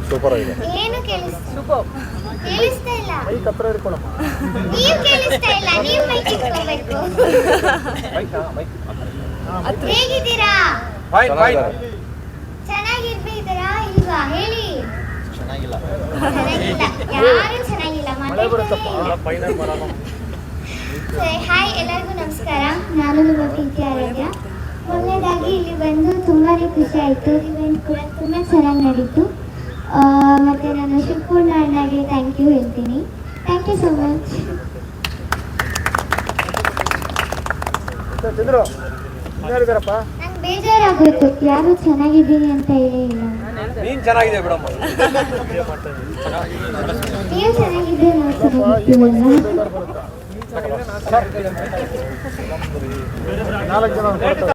ಸೂಪರ್ ಆಗಿದೆ. ಏನು ಕೇಳಿಸ್ತಾ ಸೂಪರ್. ಕೇಳಿಸ್ತಾ ಇಲ್ಲ. ಮೈಕ್ ಹತ್ರ ಇಟ್ಕೊಳಮ್ಮ. ನೀವು ಕೇಳಿಸ್ತಾ ಇಲ್ಲ, ನೀವು ಮೈಕ್ ಇಟ್ಕೋಬೇಕು. ಹೇಗಿದ್ದೀರಾ? ಚೆನ್ನಾಗಿರ್ಬೇಕಿದ್ದೀರಾ ಇಲ್ವಾ ಹೇಳಿ. ಚೆನ್ನಾಗಿಲ್ಲ, ಯಾರು ಚೆನ್ನಾಗಿಲ್ಲ. ಮಳೆ ಬರುತ್ತಪ್ಪ ಫೈನಲ್ ಮಾಡೋಣ. ಹಾಯ್, ಎಲ್ಲರಿಗೂ ನಮಸ್ಕಾರ. ನಾನು ನಿಮ್ಮ ಪ್ರೀತಿ ಆರಾಧ್ಯ. ಮೊದಲನೇದಾಗಿ ಇಲ್ಲಿ ಬಂದು ತುಂಬಾ ಖುಷಿ ಆಯಿತು. ಇವೆಂಟ್ ಕೂಡ ತುಂಬ ಚೆನ್ನಾಗಿ ನಡೀತು. ಮತ್ತು ನಾನು ಶಿವಪೂರ್ಣ ಅಣ್ಣಗೆ ಥ್ಯಾಂಕ್ ಯು ಹೇಳ್ತೀನಿ. Thank you so much. Chandru ಯಾರಿದ್ದಾರಪ್ಪ? ನಂಗೆ ಬೇಜಾರಾಗೋಯ್ತು, ಯಾರು ಚೆನ್ನಾಗಿದ್ದೀನಿ ಅಂತ ಹೇಳೇ ಇಲ್ಲ. ನೀನ್ ಚೆನ್ನಾಗಿದೆ ಬಿಡಮ್ಮ. ನೀವು ಚೆನ್ನಾಗಿದ್ರೆ ನೋಡ್ತಾ 4 ಜನ